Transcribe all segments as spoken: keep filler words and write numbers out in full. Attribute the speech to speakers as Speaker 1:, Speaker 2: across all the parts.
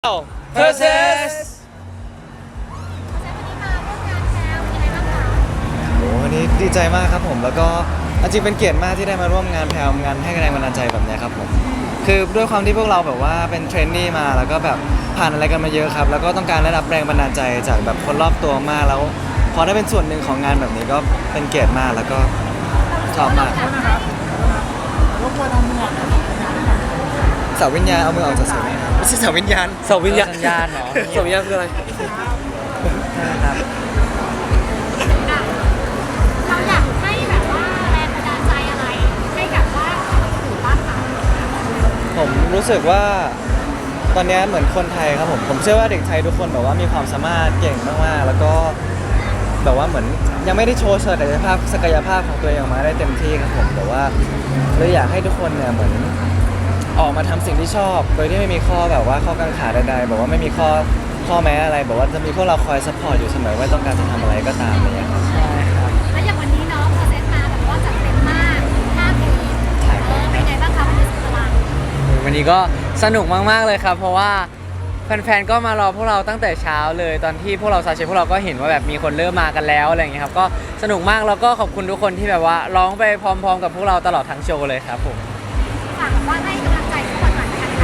Speaker 1: Process
Speaker 2: โอ้วันนี้ดีใจมากครับผมแล้วก็จริงเป็นเกียรติมากที่ได้มาร่วมงานแพลวงานให้แรงบันดาลใจแบบนี้ครับผมคือด้วยความที่พวกเราแบบว่าเป็นเทรนนี่มาแล้วก็แบบผ่านอะไรกันมาเยอะครับแล้วก็ต้องการได้รับแรงบันดาลใจจากแบบคนรอบตัวมากแล้วพอได้เป็นส่วนหนึ่งของงานแบบนี้ก็เป็นเกียรติมากแล้วก็ชอบมากเสาวิญญาณเอามือออกจากเสาวิญญาณไม่ใช่เสาวิญญาณ
Speaker 1: เสาวิญญาณ
Speaker 3: สัญญาณเหรอ
Speaker 1: เสาวิญญาณคืออะไร
Speaker 3: ครับ
Speaker 4: เราอยากให้แบบว่าแรงบันดาลใจอะไรให้กับว่าคนอื่นบ้างคะ
Speaker 2: ผมรู้สึกว่าตอนนี้เหมือนคนไทยครับผมผมเชื่อว่าเด็กไทยทุกคนแบบว่ามีความสามารถเก่งมากๆแล้วก็แบบว่าเหมือนยังไม่ได้โชว์ศักยภาพศักยภาพของตัวเองออกมาได้เต็มที่ครับผมแต่ว่าเลยอยากให้ทุกคนเนี่ยเหมือนออกมาทำสิ่งที่ชอบโดยที่ไม่มีข้อแบบว่าข้อกังขาใดๆแบบว่าไม่มีข้อข้อแม้อะไรแบบว่าจะมีพวกเราคอยซัพพอร์ตอยู่เสมอว่าต้องการจะทำอะไรก็ตามอะไรอย่างเงี้ยครับ
Speaker 3: ใช่ครับ
Speaker 4: แล้วอย่างวันนี้เนาะพอเซตมาแบบว่าจัดเต็มมากห้าปีเออเป็นไงบ้างคะวันนี้สุดพลัง
Speaker 3: วันนี้ก็สนุกมากๆเลยครับ เพราะว่าแฟนๆก็มารอพวกเราตั้งแต่เช้าเลยตอนที่พวกเราซาเชพวกเราก็เห็นว่าแบบมีคนเริ่มมากันแล้วอะไรอย่างเงี้ยครับก็สนุกมากแล้วก็ขอบคุณทุกคนที่แบบว่าร้องไปพร้อมๆ กับพวกเราตลอดทั้งโชว์เลยครับผม
Speaker 4: ฝากแบบว่าให้กำลังใจทุกคนหน่อยนะคะ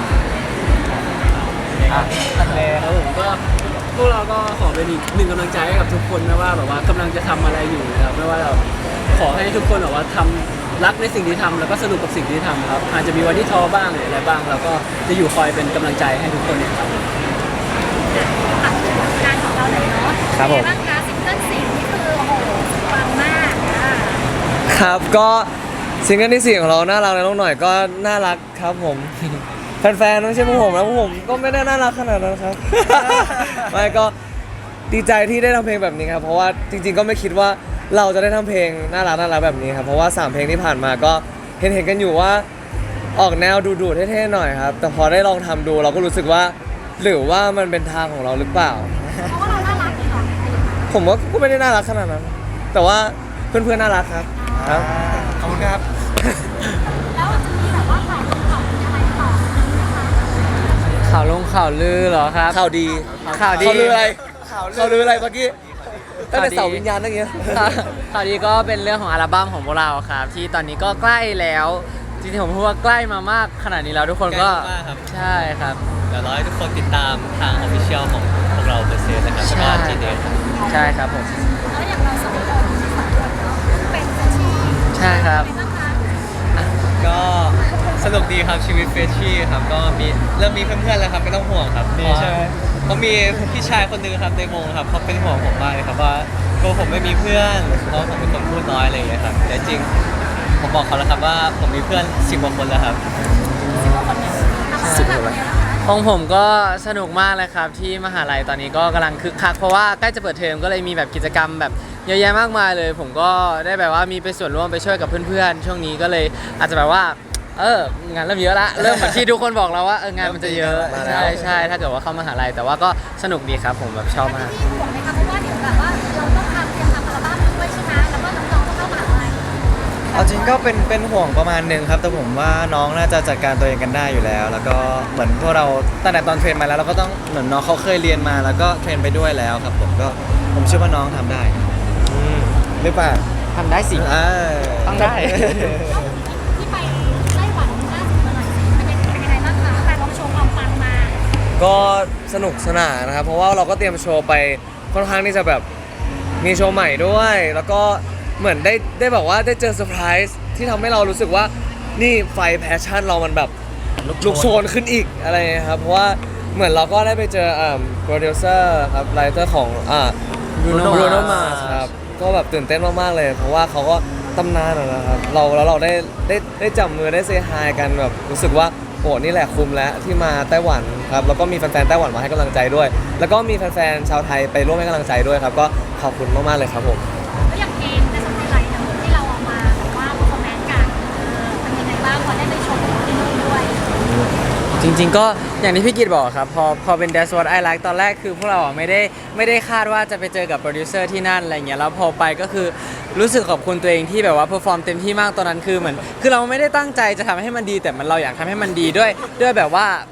Speaker 2: อ่ะตัดเลย
Speaker 1: ครับผมก็พวกเราก็ขอเป็นอีกหนึ่งกำลังใจให้กับทุกคนไม่ว่าแบบว่ากำลังจะทำอะไรอยู่นะครับไม่ว่าเราขอให้ทุกคนแบบว่าทำรักในสิ่งที่ทำแล้วก็สนุกกับสิ่งที่ทำครับอาจจะมีวันที่ท้อบ้างหรืออะไรบ้างเราก็จะอยู่คอยเป็นกำลังใจให้ทุกคนครับ
Speaker 4: ฝากงานของเราหน่อยเนาะ
Speaker 2: ครับผม
Speaker 4: เป็นไงบ้างคะซิงเกิลสี่นี่คือโอ้โหปังมากอ่ะ
Speaker 5: ครับก็ซิงเกิลที่สี่ของเราน่ารักในโลกหน่อยก็น่ารักครับผม แฟนๆไม่ใช่พวกผมนะพวกผมก็ไม่ได้น่ารักขนาดนั้นครับ ไม่ก็ดีใจที่ได้ทำเพลงแบบนี้ครับเพราะว่าจริงๆก็ไม่คิดว่าเราจะได้ทำเพลงน่ารักน่ารักแบบนี้ครับเพราะว่าสามเพลงที่ผ่านมาก็เห็นเห็นกันอยู่ว่าออกแนวดูๆเท่ๆหน่อยครับแต่พอได้ลองทำดูเราก็รู้สึกว่าหรือว่ามันเป็นทางของเราหรือเปล่า
Speaker 4: เพราะว่าเราน่ารักนี่หรอ
Speaker 5: ผมว่าก็ไม่ได้น่ารักขนาดนั้น แต่ว่าเพื่อนๆน่ารักครับครับ
Speaker 2: ขอบคุณครับ
Speaker 4: แล้วจะมีแบบว่าข่าวข่าวอะไรต่อไหมคะ
Speaker 3: ข่าวลงข่าวลือเหรอครับ
Speaker 5: ข่าวดี
Speaker 3: ข่าวดี
Speaker 5: ข่าวลืออะไรข่าวลืออะไรเมื่อกี้ตั้งแต่เสาวิญญาณตั้งเงี้ย
Speaker 3: ข่าวข่าวดีก็เป็นเรื่องของอัลบั้มของพวกเราครับ ที่ตอนนี้ก็ใกล้แล้วจริงๆผมพูดว่าใกล้มามากขนาดนี้แล้วทุกคนก็
Speaker 6: ใกล้มากครับ
Speaker 3: ใช่ครับ
Speaker 6: เดี๋ยวรอให้ทุกคนติดตามทางออฟฟิเชียลของพวกเราเปอร์เซ็นต์นะครับแล้วก็
Speaker 3: ใช่
Speaker 6: จีเดครับ
Speaker 3: ใช่ครับผม
Speaker 4: แล้วอย่างเราสองคนสองคนเนาะเป็นเฟรชชี่
Speaker 3: ใช่ครับ
Speaker 4: เป็นไงบ้างคะ
Speaker 6: ก็สนุกดีครับชีวิตเฟรชชี่ครับก็มีเริ่มมีเพื่อนๆแล้วครับไม่ต้องห่วงครับ
Speaker 2: มีใช่ไหม
Speaker 6: เพราะมีพี่ชายคนหนึงครับในวงครับเขาเป็นห่วงผมมากเลยครับว่าตัวผมไม่มีเพื่อนเพราะผมเป็นคนพูดน้อยอะไรอย่างเงี้ยครับแต่จริงผมบอกเขาแล้วครับว่าผมมีเพื่อนสิบกว่าคนแล้วครับ
Speaker 4: สิบกว่าคนเนี่ยนะคะ
Speaker 3: ของผมก็สนุกมากเลยครับที่มหาลัยตอนนี้ก็กำลังคึกคักเพราะว่าใกล้จะเปิดเทอมก็เลยมีแบบกิจกรรมแบบเยอะแยะมากมายเลย ผมก็ได้แบบว่ามีไปส่วนร่วมไปช่วยกับเพื่อนๆ ช่วงนี้ก็เลยอาจจะแบบว่า เอองานเริ่มเยอะละเริ่มเหมือนที่ทุกคนบอกเราว่าเอองานมันจะเยอะ
Speaker 5: มาแล้ว
Speaker 3: ใช่ใช่ถ้าเกิดว่าเข้ามหาลัยแต่ว่าก็สนุกดีครับผมแบบชอบมาก
Speaker 4: ที่ห่วงไหมคะเพราะว่าเดี๋ยวแบบว่าเราต้องทำเตรียมทำอัลบั้มด้วยใช่ไหมแล้วก็น้องๆต้องเข้ามหาลัย
Speaker 2: เอาจริงก็เป็นเป็นห่วงประมาณหนึ่งครับแต่ผมว่าน้องน่าจะจัดการตัวเองกันได้อยู่แล้ว แล้วก็เหมือนพวกเราตั้งแต่ตอนเทรนมาแล้วเราก็ต้องเหมือนน้องเขาเคยเรียนมาแล้วก็เทรนไปด้วยแล้วครับผมก็ผมเชื่อว่าน้องทำได้อืมหรือเปล่า
Speaker 3: ทำได้สิ
Speaker 2: อ่า
Speaker 3: ต้องได้
Speaker 4: ที่ไปไต้หวันล่าสุดมาหน่อยสิเป็นยังเป็นยังไงบ้างคะแต่ลองโชว์ความปังมา
Speaker 5: ก็สนุกสนานนะครับ เพราะว่าเราก็เตรียมโชว์ไปค่อนข้างที่จะแบบมีโชว์ใหม่ด้วย แล้วก็เหมือนได้ได้บอกว่าได้เจอเซอร์ไพรส์ที่ทำให้เรารู้สึกว่านี่ไฟแพชชั่นเรามันแบบลุกโชนขึ้นอีกอะไรเงี้ยครับ เพราะว่าเหมือนเราก็ได้ไปเจออ่าโปรดิวเซอร์ครับไลเตอร์ของอ่า
Speaker 3: Bruno
Speaker 5: Bruno
Speaker 3: Mars
Speaker 5: Mars ครับก็แบบตื่นเต้นมากๆเลย เพราะว่าเขาก็ตำนานอะนะครับเราแล้วเราได้ได้ได้จับมือได้เซฮายกันแบบรู้สึกว่าโอ้นี่แหละคุ้มแล้วที่มาไต้หวันครับแล้วก็มีแฟนๆไต้หวันมาให้กำลังใจด้วย แล้วก็มีแฟนๆชาวไทยไปร่วมให้กำลังใจด้วยครับก็ขอบคุณมากๆเลยครับผม
Speaker 4: แล้วอย่างเพลงในสมัยไรเนี่ยที่เราเอามาแบบว่าคอมเมนต์กันเออเป็นยังไงบ้างพอได้ไปชมที่นู่นด้วย
Speaker 3: จริงๆก็อย่างที่พี่กิตบอกครับพอพอเป็น That's What I Like ตอนแรกคือพวกเราอ่ะไม่ได้ไม่ได้คาดว่าจะไปเจอกับโปรดิวเซอร์ที่นั่นอะไรเงี้ยแล้วพอไปก็คือรู้สึกขอบคุณตัวเองที่แบบว่าเพอร์ฟอร์มเต็มที่มากตอนนั้นคือเหมือนคือเราไม่ได้ตั้งใจจะทำให้มันดีแต่มันเราอยากทำให้มันดีด้วยด้วยแบบว่า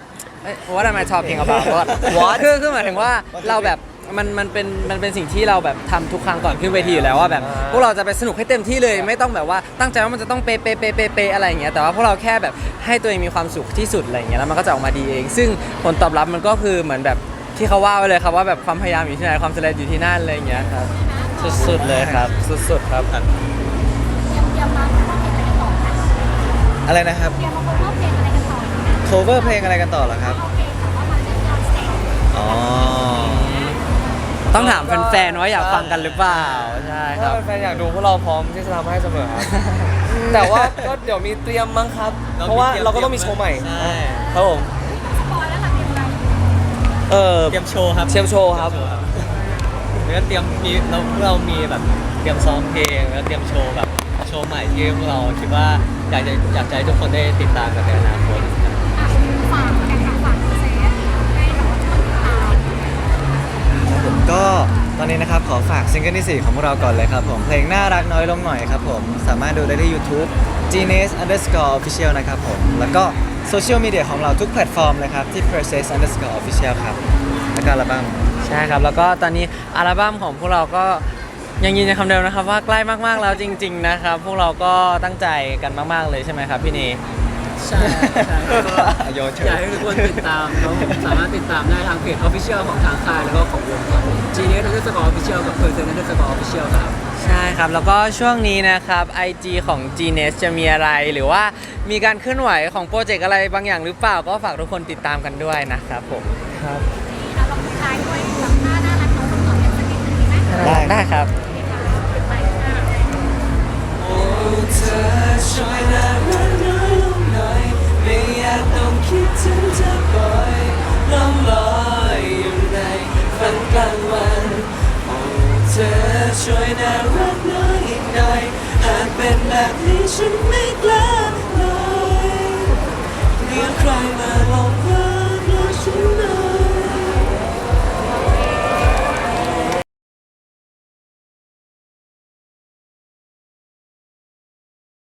Speaker 3: เอ้ย what am I talking about what
Speaker 2: What?
Speaker 3: คือคือหมายถึงว่าเราแบบมันมันเป็นมันเป็นสิ่งที่เราแบบทำทุกครั้งก่อนขึ้นเวทีอยู่แล้วว่าแบบ
Speaker 2: อ่า
Speaker 3: พวกเราจะไปสนุกให้เต็มที่เลยไม่ต้องแบบว่าตั้งใจว่ามันจะต้องเป๊ะเป๊ะเป๊ะเป๊ะเป๊ะอะไรอย่างเงี้ยแต่ว่าพวกเราแค่แบบให้ตัวเองมีความสุขที่สุดอะไรอย่างเงี้ยแล้วมันก็จะออกมาดีเอง ซึ่งผลตอบรับมันก็คือเหมือนแบบที่เขาว่าไว้เลยครับว่าแบบความพยายามอยู่ที่ไหนความสำเร็จอยู่ที่นั่นอะไรอย่างเงี้ยครับสุดๆเลยครับสุดๆครับ
Speaker 4: เตรียมเตรียมมาเพราะเพลงอะไรกันต่อนะ
Speaker 2: อะไรนะครับ
Speaker 4: เตรียมมาเพราะเพลงอะไรกันต่อนะ
Speaker 2: cover เพลงอะไรกันต่อเหรอครับ
Speaker 4: โอเคแต่ว่ามันเป็นการเสร็จ
Speaker 2: อ๋อ
Speaker 3: ต้องถามแฟนๆว่าอยากฟังกันหรือเปล่าใช่ค
Speaker 5: ถ้า
Speaker 3: รับ
Speaker 5: แฟนๆอยากดูพวกเราพร้อมที่จะทำให้เสมอครับ แต่ว่าก็เดี๋ยวมีเตรียมมั้งครับ เพราะว่าเราก็ต้องมีโชว์ใหม่
Speaker 6: ใช่
Speaker 5: ครับผม
Speaker 4: สปอยแล้วหลังเตรียมอะไร
Speaker 5: เออ
Speaker 6: เตรียมโชว์ครับ
Speaker 5: เตรียมโชว์ครับ
Speaker 6: แล้วก็เตรียมมีเราพวกเรามีแบบเตรียมซ้อมเพลงแล้วเตรียมโชว์แบบโชว์ใหม่ที่พวกเราคิดว่าอยากจะอยากจะให้ทุกคนได้ติดตามกันในอนาคต
Speaker 4: อ่ะฝากกันค่ะฝากเซฟให้แบบว่าทุกคนติดตาม
Speaker 2: ครับผมก็ตอนนี้นะครับขอฝากซิงเกิลที่สี่ของพวกเราก่อนเลยครับผมเพลงน่ารักน้อยลงหน่อยครับผมสามารถดูได้ที่ YouTube Genius underscore official นะครับผมแล้วก็โซเชียลมีเดียของเราทุกแพลตฟอร์มเลยครับที่ process underscore official ครับแล้วก็อัลบั้ม
Speaker 3: ใช่ครับ แล้วก็ตอนนี้อัลบั้มของพวกเราก็ยังยืนยันคำเดิมนะครับว่าใกล้มากๆแล้วจริง ๆ นะครับ พวกเราก็ตั้งใจกันมากๆเลยใช่ไหมครับพี่เน
Speaker 1: ใช่ใช่ก็
Speaker 2: โยนเฉ
Speaker 1: อย ยากให้ทุกคนติดตามเขาสามารถติดตามได้ทางเพจ Official ของทางค่ายแล้วก็ของวงครับผม Genius Underscore Official กับ Person Underscore Official ครับ
Speaker 3: ใช่ครับ แล้วก็ช่วงนี้นะครับ ไอ จี ของ จี เนส จะมีอะไรหรือว่ามีการเคลื่อนไหวของโปรเจกต์อะไรบางอย่างหรือเปล่าก็ฝากทุกคนติดตามกันด้วยนะครับผม
Speaker 2: ครับ
Speaker 4: เราลองท้ายด้วยแบบหน้าน่ารักน้องต่อเป็นสักนิดนึงดีไหม
Speaker 2: ได้
Speaker 3: ได้ครับ
Speaker 4: ไปค่ะ
Speaker 5: โอ้เธอช่วยน่ารักน้อยลงหน่อยไม่อยากต้องคิดถึงเธอบ่อยล่องลอยอยู่ในฝันกลางวันโอ้เธอช่วยน่ารักน้อยอีกหน่อยหากเป็นแบบนี้ฉันไม่กล้าเลยเลี้ยงใครมา